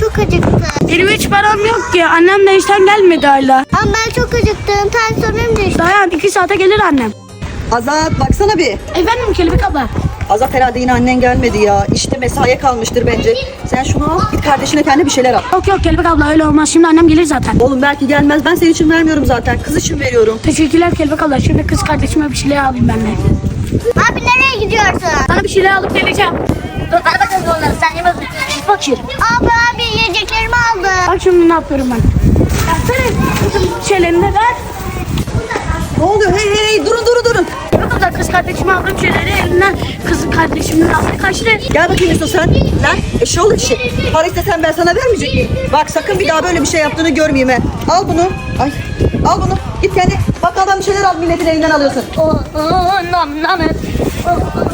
çok acıktım. Benim hiç param yok ki. Annem de işten gelmedi hala. Ama ben çok acıktım. Tansiyonum düştü. Dayan 2 saate gelir annem. Azat baksana bir. Efendim Kelebek abla. Azat herhalde yine annen gelmedi ya. İşte mesaiye kalmıştır bence. Sen şunu al git kardeşine kendi bir şeyler al. Yok Kelebek abla öyle olmaz. Şimdi annem gelir zaten. Oğlum belki gelmez. Ben senin için vermiyorum zaten. Kız için veriyorum. Teşekkürler Kelebek abla. Şimdi kız kardeşime bir şeyler alayım ben de. Abi nereye gidiyorsun? Sana bir şeyler alıp geleceğim. Dur ver bakalım onları. Sen ye bakayım. Fakir. Abi yiyeceklerimi aldım. Bak şimdi ne yapıyorum ben. Versene kızım şeylerini de ver. Ne oluyor? Hey durun. Kelebek abla kız kardeşime aldığım şeyleri elinden kız kardeşimin aldı kaçtı. Gel bakayım Yusuf sen. Lan eşoğlu işi. Para istesen ben sana vermeyecek miyim? Bak sakın bir daha böyle bir şey yaptığını görmeyeyim he. Al bunu. Ay. Al bunu. Git kendi bakkaldan bir şeyler al milletin elinden alıyorsun. Nam.